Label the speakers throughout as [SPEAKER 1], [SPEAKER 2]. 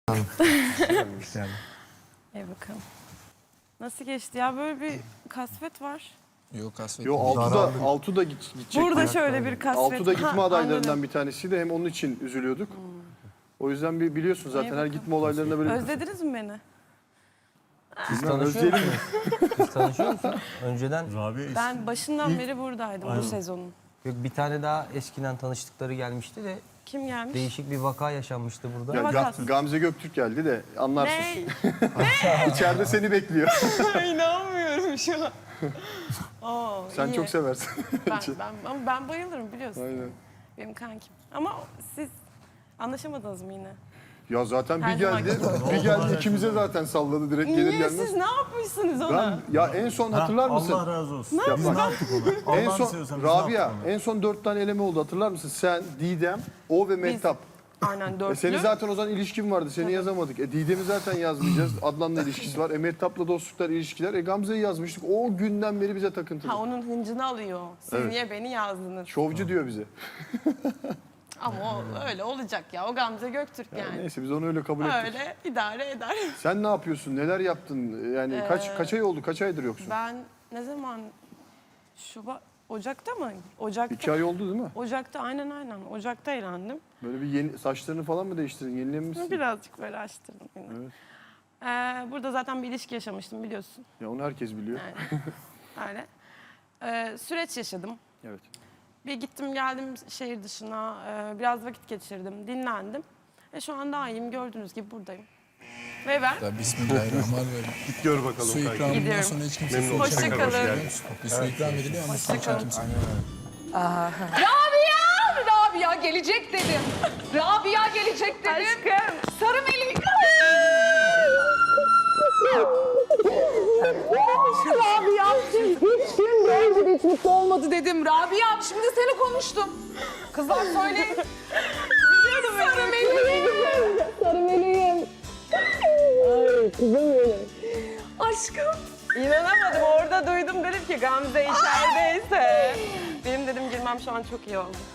[SPEAKER 1] Yani.
[SPEAKER 2] Bakalım. Nasıl geçti ya? Böyle bir kasvet var.
[SPEAKER 3] Yok kasvet.
[SPEAKER 4] Yo Altuğ da gidecek.
[SPEAKER 2] Burada şöyle bir kasvet.
[SPEAKER 4] Altuğ da gitme adaylarından
[SPEAKER 2] anladım.
[SPEAKER 4] bir tanesiydi. Hem onun için üzülüyorduk. O yüzden biliyorsun zaten her
[SPEAKER 2] bakalım.
[SPEAKER 4] gitme olaylarında böyle...
[SPEAKER 2] Özlediniz mi beni?
[SPEAKER 1] Siz
[SPEAKER 4] Bilmem,
[SPEAKER 1] tanışıyor
[SPEAKER 4] özleyelim
[SPEAKER 1] musunuz? Siz tanışıyor musunuz? Önceden
[SPEAKER 2] Ben başından beri buradaydım bu sezonun.
[SPEAKER 1] yok, bir tane daha eskiden tanıştıkları gelmişti de
[SPEAKER 2] Kim gelmiş?
[SPEAKER 1] değişik bir vaka yaşanmıştı burada.
[SPEAKER 4] Ya,
[SPEAKER 2] Vakası.
[SPEAKER 4] Gamze Göktürk geldi de anlarsın.
[SPEAKER 2] Ne?
[SPEAKER 4] İçeride seni bekliyor.
[SPEAKER 2] İnanmıyorum şu an. Oo,
[SPEAKER 4] Sen
[SPEAKER 2] iyi.
[SPEAKER 4] çok seversin.
[SPEAKER 2] Ama ben bayılırım biliyorsun.
[SPEAKER 4] Aynen.
[SPEAKER 2] Benim kankim. Ama siz anlaşamadınız mı yine?
[SPEAKER 4] Ya zaten
[SPEAKER 2] Her
[SPEAKER 4] bir
[SPEAKER 2] zaman
[SPEAKER 4] geldi. Bir geldi ikimize zaten salladı direkt gelir
[SPEAKER 2] Niye
[SPEAKER 4] gelmez.
[SPEAKER 2] siz ne yapmışsınız ona?
[SPEAKER 4] Ya en son hatırlar mısın?
[SPEAKER 5] Allah razı olsun.
[SPEAKER 4] Ya
[SPEAKER 5] Biz
[SPEAKER 4] bak,
[SPEAKER 5] ne yaptık ona?
[SPEAKER 4] En
[SPEAKER 5] Allah'ını
[SPEAKER 4] son
[SPEAKER 5] seviyorsan biz ne yaptık
[SPEAKER 4] Rabia
[SPEAKER 5] ona?
[SPEAKER 4] en son 4 tane eleme oldu hatırlar mısın? Sen, Didem, o ve Mehtap.
[SPEAKER 2] Aynen dörtlü.
[SPEAKER 4] Senin zaten o zaman ilişkin vardı. Seni yazamadık. Didem'i zaten yazmayacağız. Adnan'la ilişkisi var. Mehtap'la dostluklar, ilişkiler. Gamze'yi yazmıştık. O günden beri bize takıntılı.
[SPEAKER 2] Ha onun hıncını alıyor. Siz
[SPEAKER 4] Evet.
[SPEAKER 2] niye beni yazdınız?
[SPEAKER 4] Şovcu diyor bize.
[SPEAKER 2] Ama o öyle olacak ya. O Gamze Göktürk yani.
[SPEAKER 4] Neyse biz onu öyle kabul ettik.
[SPEAKER 2] Öyle idare eder.
[SPEAKER 4] Sen ne yapıyorsun? Neler yaptın? Yani kaç ay oldu? Kaç aydır yoksun?
[SPEAKER 2] Ben ne zaman Ocak'ta mı? Ocak'ta.
[SPEAKER 4] 2 ay oldu değil mi?
[SPEAKER 2] Ocak'ta aynen. Ocak'ta eğlendim.
[SPEAKER 4] Böyle bir yeni saçlarını falan mı değiştirdin? Yenilemişsin.
[SPEAKER 2] Birazcık böyle açtırdım yine.
[SPEAKER 4] Evet.
[SPEAKER 2] Burada zaten bir ilişki yaşamıştım biliyorsun.
[SPEAKER 4] Ya onu herkes biliyor.
[SPEAKER 2] Yani. Öyle. Süreç yaşadım.
[SPEAKER 4] Evet.
[SPEAKER 2] Bir gittim geldim şehir dışına. Biraz vakit geçirdim. Dinlendim. Şu an daha iyiyim. Gördüğünüz gibi buradayım. Ve ben
[SPEAKER 3] Ya Bismillahirrahmanirrahim.
[SPEAKER 4] Git gör bakalım.
[SPEAKER 3] Su ikramından
[SPEAKER 2] Gidiyorum.
[SPEAKER 3] sonra hiç kimse su
[SPEAKER 2] Hoşça
[SPEAKER 3] içemiyor.
[SPEAKER 2] kalın.
[SPEAKER 3] Biliyor musun? Bir su ikram ediliyor ama su içen kimse.
[SPEAKER 6] Rabia gelecek dedim. Rabia gelecek dedim.
[SPEAKER 2] Aşkım.
[SPEAKER 6] Sarı Melih. Rabia hiç gün boyunca hiç mutlu olmadı dedim. Rabia şimdi seni konuştum. Kızlar söyleyin. Sarı Meleğim. Sarı Meleğim. Ay kızım benim. Aşkım.
[SPEAKER 2] İnanamadım. Orada duydum dedim ki Gamze içerideyse. Benim dedim girmem şu an çok iyi oldu.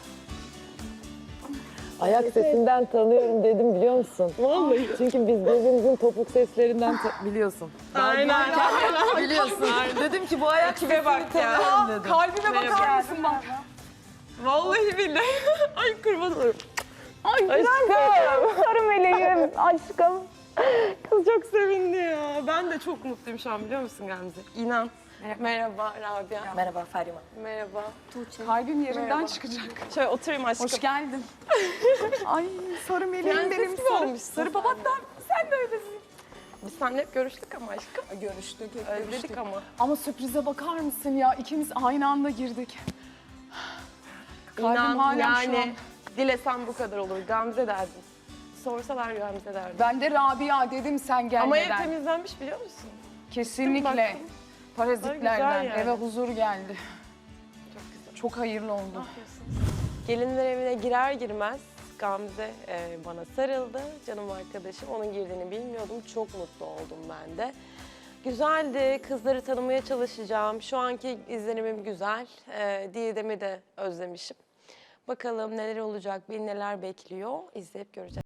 [SPEAKER 7] Ayak sesinden tanıyorum dedim biliyor musun? Vallahi. Çünkü biz birbirimizin topuk seslerinden biliyorsun.
[SPEAKER 2] Aynen.
[SPEAKER 7] Biliyorsun. Dedim ki bu ayak
[SPEAKER 2] Kime bak ya.
[SPEAKER 7] dedim.
[SPEAKER 6] Kalbime bakar mısın bak.
[SPEAKER 2] Vallahi billahi. Ay kurban olurum.
[SPEAKER 7] Ay aşkım. Sarı meleğim aşkım.
[SPEAKER 2] Kız çok sevindi ya. Ben de çok mutluyum şu an biliyor musun Gamze? İnan. Merhaba Rabia.
[SPEAKER 7] Merhaba Ferima.
[SPEAKER 2] Merhaba.
[SPEAKER 6] Kalbim yerinden
[SPEAKER 2] Merhaba.
[SPEAKER 6] çıkacak.
[SPEAKER 2] Şöyle oturayım aşkım.
[SPEAKER 6] Hoş geldin. Ay sarı meleğim
[SPEAKER 2] Prenses
[SPEAKER 6] benim
[SPEAKER 2] gibi
[SPEAKER 6] sarı.
[SPEAKER 2] olmuşsun.
[SPEAKER 6] Sarı papatlar. Sen de öylesin.
[SPEAKER 2] Biz seninle hep görüştük ama aşkım.
[SPEAKER 6] Görüştük.
[SPEAKER 2] Özledik ama.
[SPEAKER 6] Ama sürprize bakar mısın ya? İkimiz aynı anda girdik. Kalbim
[SPEAKER 2] İnan
[SPEAKER 6] hala şu an.
[SPEAKER 2] yani dilesem bu kadar olur. Gamze derdim. Sorsalar Gamze derdim.
[SPEAKER 6] Ben de Rabia dedim sen
[SPEAKER 2] Ama ev
[SPEAKER 6] gelmeden.
[SPEAKER 2] temizlenmiş biliyor musun?
[SPEAKER 6] Kesinlikle.
[SPEAKER 2] Baktım.
[SPEAKER 6] Parazitlerden
[SPEAKER 2] Güzel yani.
[SPEAKER 6] eve huzur geldi.
[SPEAKER 2] Çok güzel.
[SPEAKER 6] Çok hayırlı oldu.
[SPEAKER 2] Gelinler evine girer girmez Gamze bana sarıldı. Canım arkadaşım. Onun girdiğini bilmiyordum. Çok mutlu oldum ben de. Güzeldi. Kızları tanımaya çalışacağım. Şu anki izlenimim güzel. Didem'i de özlemişim. Bakalım neler olacak, beni neler bekliyor. İzleyip göreceğiz.